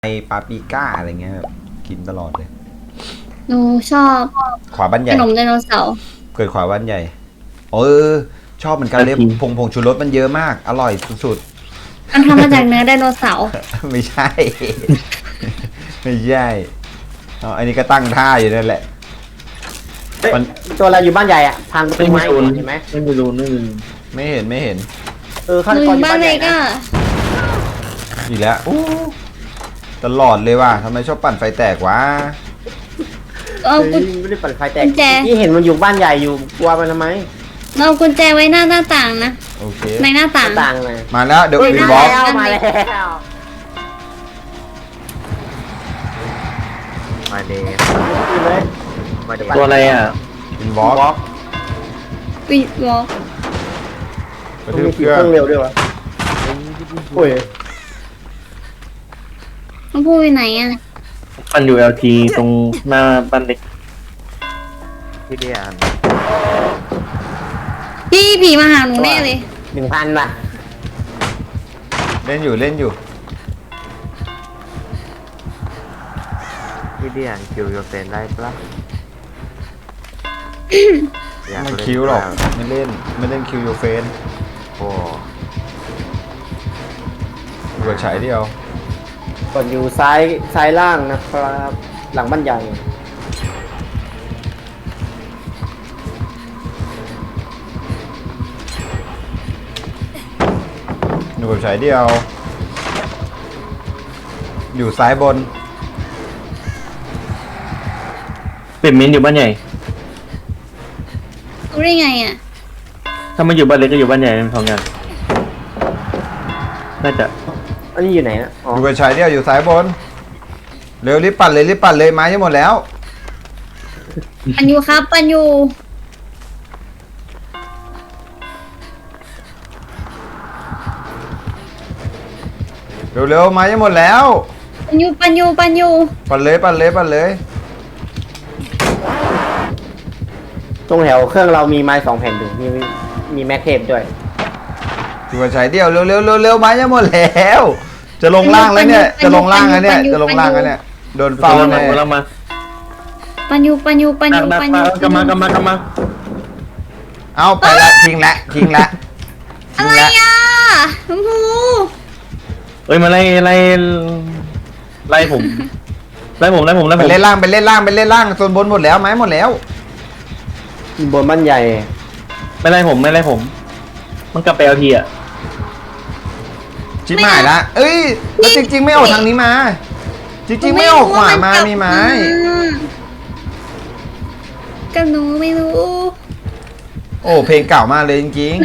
ไอปาปริก้าอะไรเงี้ยแบบกินตลอดเลยหนูชอบขวาบ้านใหขญ่นมไดโนเสาร์เกิดขวาบ้านใหญ่ชอบเหมือนกันเลยผงชูรสมันเยอะมากอร่อยสุดมันทำมาจากเนื้อไดโนเสาร์ๆ ไม่ใช่ ไม่ใช่อันนี้ก็ตั้งท่าอยู่นั่นแหละมันตัวเราอยู่บ้านใหญ่อ่ะทางประตูไม้เห็นไหมไม่มีรูนไม่เห็นฆาหตนูกอรอยู่ ยู่บ้าบ้าน นเลใหญ่ยก็นะอีกแล้วตลอดเลยว่ะทำไมชอบปั่นไฟแตกวะเอากุญไม่ได้ปั่นไฟแตกกุญแจที่เห็นมันอยู่บ้านใหญ่อยู่กลัวมันทำไมเอากุญแจไว้หน้าต่างนะโอเคในหน้าหต่าน้าง ต่างเลยมาแล้วเดี๋ยวเฮ้ยวินมาบล็อกแล้วมาแล้วมาเดย์ขึ้นเลยมาเดย์ตัวอะไรอ่ะวินบล็อกบล็อกวิวอล์กกระมันทืมีบขี่เครื่องเครื่องเร็วด้วยวะโอ้ยต้องพูดไปไหนอ่ะมันอยู่ LT ตรงหน้าบ้านเล็กพี่เดียนพี่ผีมาหาหนูแน่เลย 1,000ป่ะเล่นอยู่พี่เดียนคิวโยเซนได้ปะอยากมันเล่นคิวหรอกบ้างไม่เล่นคิวโยเฟนโอ้อยู่กับฉายเดียวกดอยู่ซ้ายล่างนะครับ หลังบ้านใหญ่อยู่กับฉายเดียว อยู่ซ้ายบนเป็นมินอยู่บ้านใหญ่รู้ได้ไงอ่ะถ้ามันอยู่บ้านเล็กก็อยู่บ้านใหญ่เป็นสองอย่างน่าจะอันนี้อยู่ไหนนะอ๋ออยู่กับฉายเดียวอยู่ซ้ายบน เร็วรีบปั่นเลยไม้จะหมดแล้วปันยูครับปันยูเร็วไม้จะหมดแล้วปันยูปั่นเลยตรงแถวเครื่องเรามีไม้2 แผ่นอยู่มีแม็กเทปด้วยอยู่กับฉายเดียวเร็วไม้จะหมดแล้ว จะลงล่างแล้วเนี่ยโดนเฝ้าแน่เรามาปันยูดักกลับมาเอาไปละทิ้งละอะไรอ่ะชมพูเอ้ยมาไล่ผมไปเล่นล่างโซนบนหมดแล้วไม้หมดแล้วบนบ้านใหญ่ไม่ไล่ผมมันกลับไป LT อ่ะชิบหายละเอ้ยแล้วจริงๆไม่ออกทางนี้มา จริงๆไม่ออกขวามามีไม้กับหนูไม่รู้โอ้เพลงเก่ามากเลยจริง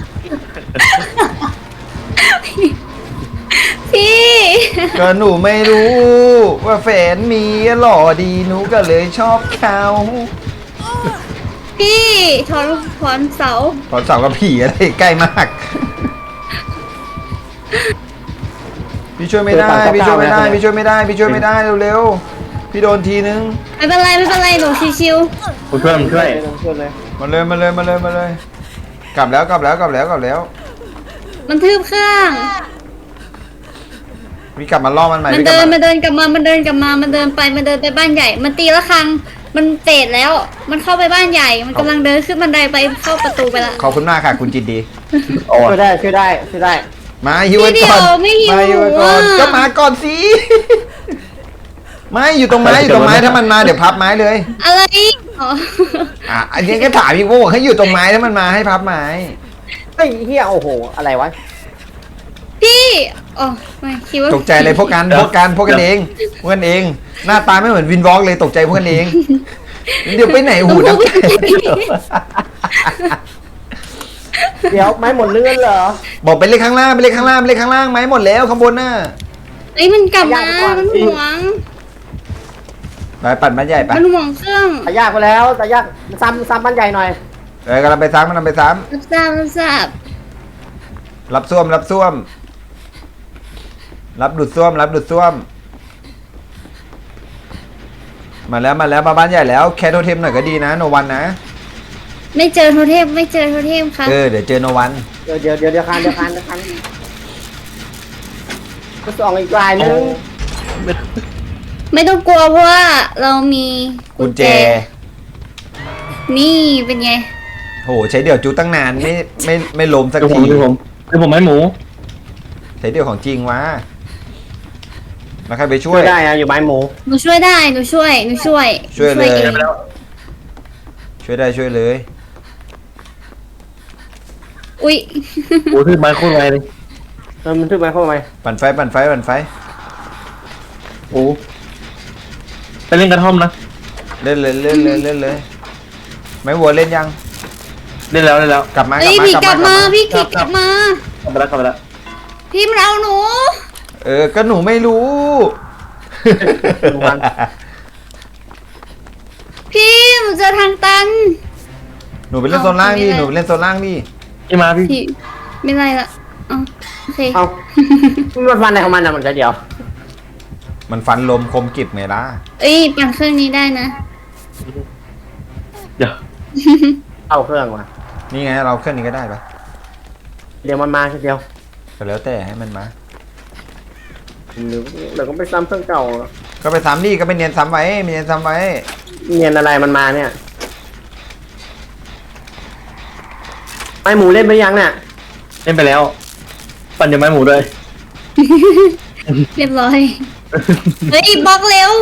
พี่ๆ ก็หนูไม่รู้ ว่าแฟนมีหล่อดีหนูก็เลยชอบเขาพี่ถอนเสาตอนสาวกับผีอะไรใกล้มาก พี่ช่วยไม่ได้เร็วๆพี่โดนทีนึงไม่เป็นไรหนูชิวผมช่วยช่วยเลยมาเลยกลับแล้วๆมันทืบเครื่องพี่กลับมาล่อมันใหม่มันพี่กลับเดินมามันเดินไปบ้านใหญ่ มันตีละครั้งมันเตะแล้ว มันเข้าไปบ้านใหญ่ มันกำลังเดินขึ้นบันไดไปเข้าประตูไปละขอบคุณมากค่ะคุณจิตดีช่วยได้มาฮิวไว้ก่อนไม่หิวมาฮิวไว้ก่อนอ่ะก็มาก่อนสิ ไม่อยู่ตรงไม้ถ้ามันมาเดี๋ยวพับไม้เลยอะไรอ๋ออันนี้ก็ถามพี่ว่าให้อยู่ตรงไม้ถ้ามันมาให้พับไม้เฮ้ยเฮียโอ้โหอะไรวะพี่อ๋อไม่คิดว่าตกใจเลยพวกกันเองหน้าตาไม่เหมือนวินวอล์กเลยตกใจพวกกันเองเดี๋ยวไปไหนหูนักเดี๋ยวไม้หมดเลื่อนเหรอบอกไปเลขข้างล่างไม้หมดแล้วข้างบนน่ะเอ้ยมันกลับมามันหวงไปปั่นไม้ใหญ่ไปมันหวงเครื่องตายากไปแล้วตายากซ้ำบ้านใหญ่หน่อยกำลังไปซ้ำรับทราบรับซ่วมรับดูดซ่วมมาแล้วมาบ้านใหญ่แล้วแคทโทเทมหน่อยก็ดีนะโนวันนะไม่เจอโทเทมครับเดี๋ยวเจอโนวันเดี๋ยวคันก็ส่องอีกลายนึงไม่ต้องกลัวเพราะว่าเรามีกุญแจนี่เป็นไงโหใช้เดี่ยวจูตั้งนานไม่ล้มสักเดี๋ยวผทีมเดี๋ยวผมเดี๋ยวผมให้หมูใช้เดี่ยวของจริงวะมาใครไปช่ช่ววย ยได้นะอยู่ไม้หมูหนูช่วยได้หนูช่วยช่วยเลยเองไปแล้วช่วยได้ช่วยเลยอุ๊ยโอ้ที่ไม้โคตรไวเลยมันทึกไม้เข้ามาปั่นไฟปั่นไฟปั่นไฟโอ้ไปเล่นกระท่อมนะเล่นเลยเล่นเลยเล่นเลยไม่วัวเล่นยังเล่นแล้วเล่นแล้วกลับมากเอ้ยพี่กลับมาพี่กลัคิบดกลับมากลับไปแล้วกลับไปแล้วพี่มันเอาหนูก็หนูไม่รู้พี่หนูเจอทางตันหนูไปเล่นโซนล่างดิหนูไปเล่นโซนล่างดิพี่มาพี่พี่ไม่ไรละอ๋อโอเคเอามันฟันอะไรของมันอะมันจะเดียวมันฟันลมคมกริบไงล่ะเอ้ยปั่นเครื่องนี้ได้นะเดี๋ยวเข้าเครื่องว่ะนี่ไงเราเครื่องนี้ก็ได้ปะเดี๋ยวมันมาทีเดียวก็แล้วแต่ให้มันมาหรือเดี๋ยวก็ไปซ้ำเครื่องเก่าก็ไปซ้ำดิก็ไปเนียนซ้ำไว้เนียนซ้ำไว้เนียนอะไรมันมาเนี่ยไม้หมูเล่นไปยังเนี่ยเล่นไปแล้ว ปั่นจะไม้หมูด้วยเรียบร้อย เฮ้ยบล็อกเร็ว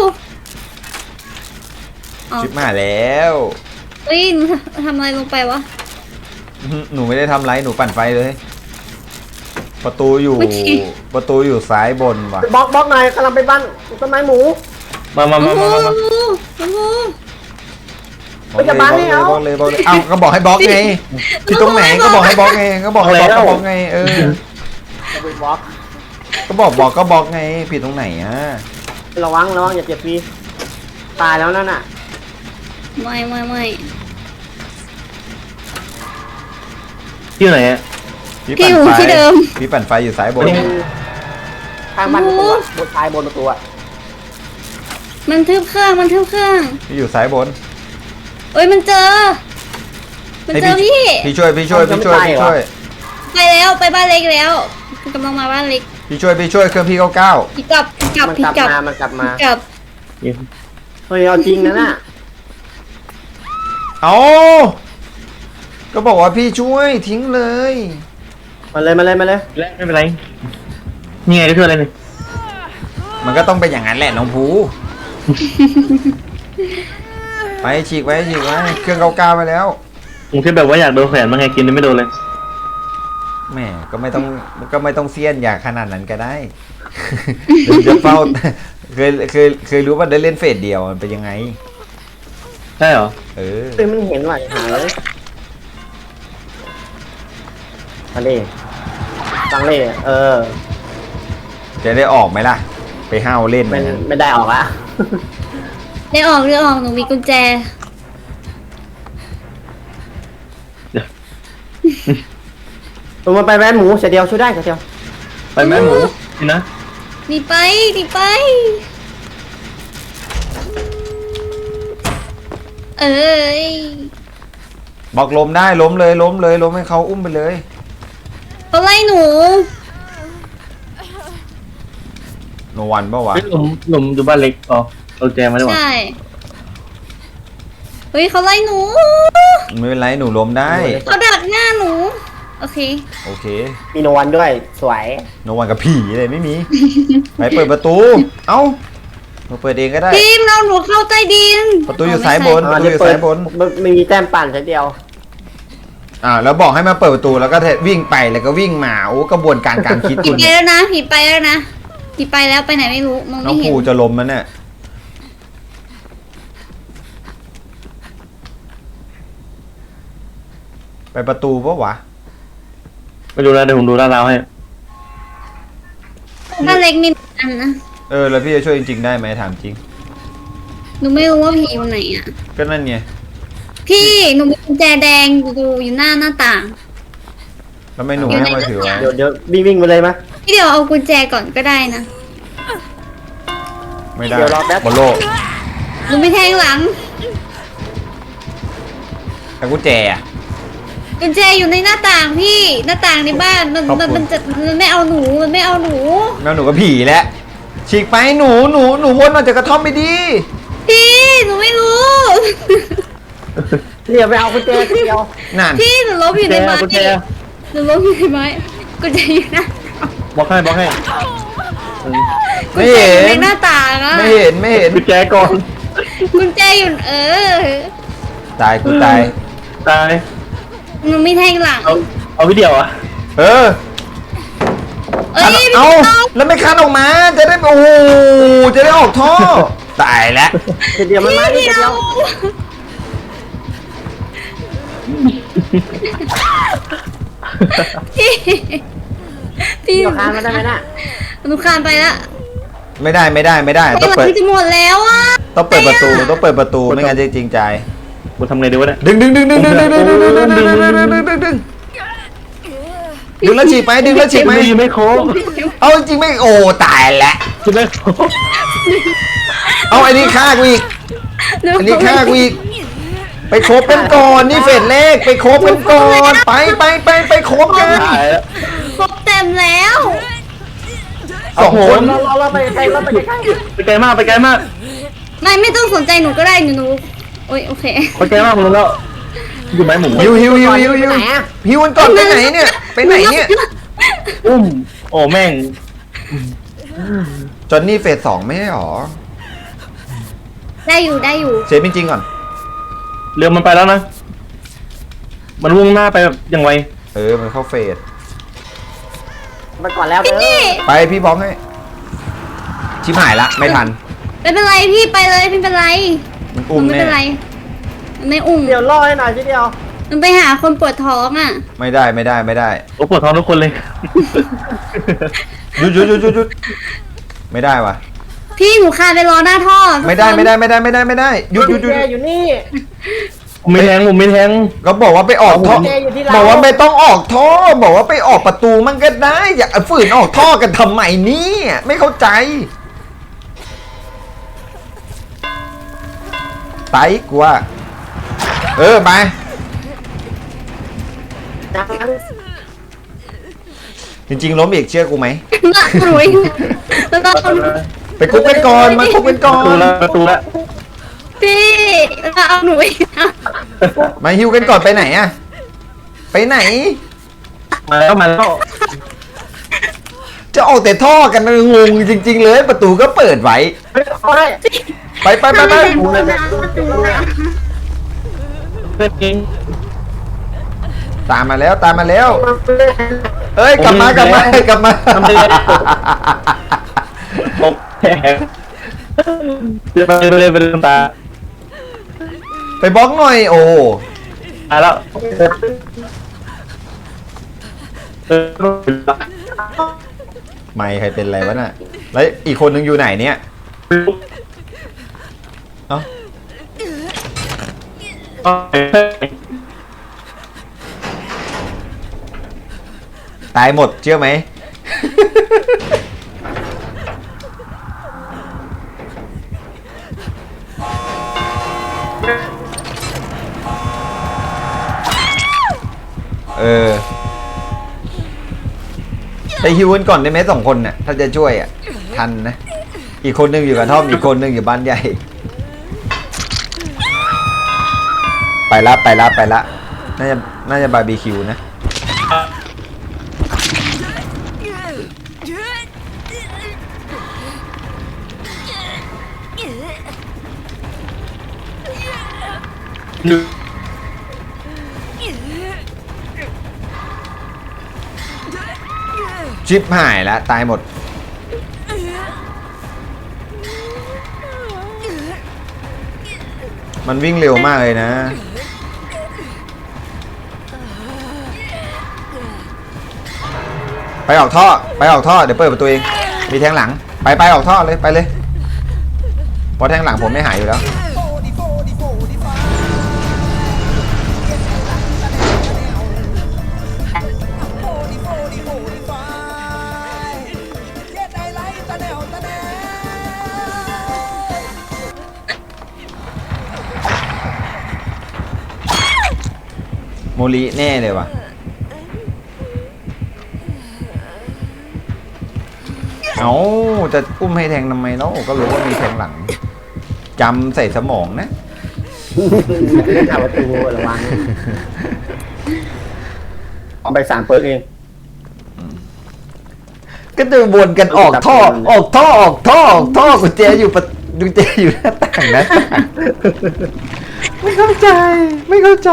อ๋อชิบมาแล้วเฮ้ยหนูทำอะไรลงไปวะหนูไม่ได้ทำไรหนูปั่นไฟเลย ประตูอยู่เมื่อกี้ประตูอยู่ซ้ายบนว่ะบล็อกหน่อยกำลังไปบ้านต้นไม้หมูมาโอ้โหโอ้โหไม่จะบังให้เอาบล็อกเลยบล็อกเลยเอ้าก็บอกให้บล็อกไงที่ตรงไหนก็บอกให้บล็อกไงก็บอกให้บล็อกก็บล็อกไงจะไปบล็อกก็บอกก็บล็อกไงผิดตรงไหนอ่ะระวังอย่าเจ็บฟรีตายแล้วนั่นน่ะไม่ที่ไหนอะพี่อยู่ที่เดิมพี่ปั่นไฟอยู่ซ้ายบนข้างบ้านประตูอะบนท้ายบนประตูอะมันทึบเครื่องพี่อยู่ซ้ายบนเอ้ยมันเจอ มันเจอพี่พี่ช่วยไปแล้วไปบ้านเล็กแล้วกำลังมาบ้านเล็กพี่ช่วยเครื่องพี่99 พี่กลับมันพี่กลับกลับมามันกลับมาพี่กลับเฮ้ยเอาจริงนะน่ะเอาก็บอกว่าพี่ช่วยทิ้งเลยมาเลยแล้วไม่เป็นไรนี่ไงก็คืออะไรนี่มันก็ต้องเป็นอย่างนั้นแหละน้องภูไปฉีกไว้เครื่อง99ไปแล้วผมแค่แบบว่าอยากโดนแขวนมาไงกินไม่โดนเลยแหม่ก็ไม่ต้องเซียนอย่างขนาดนั้นก็ได้ เดี๋ยวจะเฝ้าเคยรู้ว่าได้เล่นเฟสเดียวมันเป็นยังไงใช่เหรอเฮ้ยมันเห็นว่ะหาเลยมาดิฟังเลยจะได้ออกไหมล่ะ ไปห้าวเล่นไม่ได้ออกละได้ออกหนูมีกุญแจตัวมันไปแม่หมูเสียเดียวช่วยได้เสียเดียวไปแม่หมูนี่นะหนีไปเอ้ยบอกล้มได้ล้มเลยล้มให้เขาอุ้มไปเลยเขาไล่หนูโนวันปะวะเฮ้ยหลุมอยู่บ้านเล็กอ๋อเอาแจมาได้หว่าใช่เฮ้ยเขาไล่หนูไม่เป็นไรหนูล้มได้เขาดักหน้าหนู โอเคโอเคมีโนวันด้วยสวยโนวันกับผีเลยไม่มี ไปเปิดประตู เอ้ามาเปิดเองก็ได้ทีมเราหนูเข้าใต้ดินประตูอยู่ซ้ายบนเดี๋ยวเปิดไม่มีแต้มปั่นเสียเดียวแล้วบอกให้มาเปิดประตูแล้วก็วิ่งไปแล้วก็วิ่งมาโอ้กระบวนการการคิดผีคุณไปแล้วนะผีไปแล้วนะผีไปแล้วไปไหนไม่รู้มองน้อไม่งเห็นภูจะล้มมันเนี่ยไปประตูปะวะไม่รู้แล้วเดี๋ยวผมดูลาดราวให้บ้านเล็กมีอันนะแล้วพี่จะช่วยจริงๆได้ไหมถามจริงหนูไม่รู้ว่าผีอยู่ไหนอ่ะก็นั่นไงพี่หนูมีกุญแจแดงอยู่หน้าต่างแล้วไม่หนูไม่ให้มาถือไว้เดี๋ยววิ่งไปเลยมั้ยพี่เดี๋ยวเอากุญแจก่อนก็ได้นะไม่ได้เดี๋ยวรอแป๊บบอลโลหนูไม่แทงหลังแต่กุญแจอะกุญแจอยู่ในหน้าต่างพี่หน้าต่างในบ้านมันขอบคุณมันไม่เอาหนูมันไม่เอาหนูแมวหนูกับผีแหละชฉีกไปหนูวนออกจากกระท่อมไปดีพี่หนูไม่รู้เดี๋ยวไปเอากุญแจทีเดียวนั่นพี่หนูล้มอยู่ในไม้กุญแจหนูล้มอยู่ในไม้กุญแจอยู่นะบล็อกให้บล็อกให้กุญแจอยู่ในหน้าต่างอะไม่เห็นกุญแจก่อนกุญแจอยู่ตายกูตายตายหนูมีแทงหลังเอาวิดีโออ่ะเออเอ้ยพี่เอาต้องแล้วไม่คันออกมาจะได้โอ้โหจะได้ออกท่อตายแล้วทีเดียวมันมาทีพี่เดีเดียยว วพี่เดี๋ยวคานมาได้ไหมน่ะหนูคานไปแล้วไม่ได้ไอ้ต้องหลัเปิดงจะหมดแล้วอ่ะต้องเปิดประตูไม่งั้นจะจริงใจกูทำไงดีวะเนี่ยดึงแล้วฉีกไปดึงแล้วฉีกไปยังไม่โค้งเอาจริงไม่โอ้ตายแล้วยังไม่โค้งเอาไอ้นี่ฆ่ากูอีก อันนี้ฆ่ากูอีก ไปคบกันก่อนนี่เฟสแรกไปคบกันก่อนไปคบกันตายแล้วครบเต็มแล้วสองคนเราไปใกล้เราไปใกล้ไปไกลมากไปไกลมากไม่ต้องสนใจหนูก็ได้หนูโอ้ยโอเคไปไกลมากผมรู้แล้วอยู่ไหมหมูหิวหิวกันก่อนไปไหนเนี่ยไปไหนเนี่ยอุ้มโอ้แม่งจอนนี่เฟสสองไม่ใช่หรอได้อยู่เซฟจริงๆก่อนเรือมันไปแล้วนะ มันวุ่งหน้าไปแบบอย่างไวมันเข้าเฟสไปก่อนแล้วเด้อพี่ไปพี่บล็อกให้ชิบหายละไม่ทันไม่เป็นไรพี่ไปเลยไม่เป็นไรมันหนูอุ้มไม่แน่เป็นไรมันไม่อุ้มเดี๋ยวล่อให้หน่อยทีเดียวมันไปหาคนปวดท้องอ่ะไม่ได้โอ้ปวดท้องทุกคนเลยหยุดไม่ได้วะพี่หนูคานไปรอหน้าท่อไม่ได้หยุดกุญแจอยู่นี่ผมไม่แทงผมไม่แทงก็บอกว่าไปออกท่อกุญแจอยู่ที่เราบอกว่าไม่ต้องออกท่อบอกว่าไปออกประตูมันก็ได้อย่าฝืนออกท่อกันทำไมเนี่ยไม่เข้าใจไปกูว่าไป จริงๆล้มอีกเชื่อกูไหมมาหนุยแล้วก็ไปคุกกันก่อนมาคุกกันก่อประตูนแล้วพี่แล้วก็เอาหนุยมาฮิวกันก่อนไปไหนอะไปไหนมาแล้วจะออกแต่ท่อกันงงจริง ๆ เลยประตูก็เปิดไว้เอาได้ไปเพื่อนเองตามมาแล้วเอ้ยกลับมาทำไปเลยตกแผลไปเลยตาไปบล็อกหน่อยโอ้ตายแล้วไม่ใครเป็นไรวะน่ะแล้วอีกคนนึงอยู่ไหนเนี่ยเอ้าตายหมดเชื่อไหม ไปฮิวกันก่อนได้ไหม2 คนน่ะถ้าจะช่วยอ่ะทันนะอีกคนนึงอยู่กับท่อมอีกคนนึงอยู่บ้านใหญ่ไปละน่าจะบาร์บีคิวนะ ชิปหายแล้วตายหมดมันวิ่งเร็วมากเลยนะไปออกท่อเดี๋ยวเปิดประตูเองมีแทงหลังไปออกท่อเลยไปเลยเพราะแทงหลังผมไม่หายอยู่แล้วโมลีแน่เลยวะเอาจะอุ้มให้แทงทำไมเนาะก็รู้ว่ามีแทงหลังจำใส่สมองนะเล่นทางประตูระวังเอาไป3 เปิร์กเองก็จะวนกันออกท่อออกท่อออกท่อออกท่อกุญแจอยู่กุญแจอยู่หน้าต่างนะไม่เข้าใจไม่เข้าใจ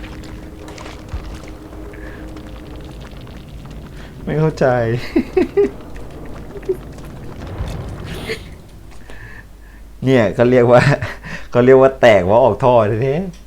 ไม่เข้าใจ เนี่ยเขาเรียกว่าแตกว่าออกท่อแท้ๆ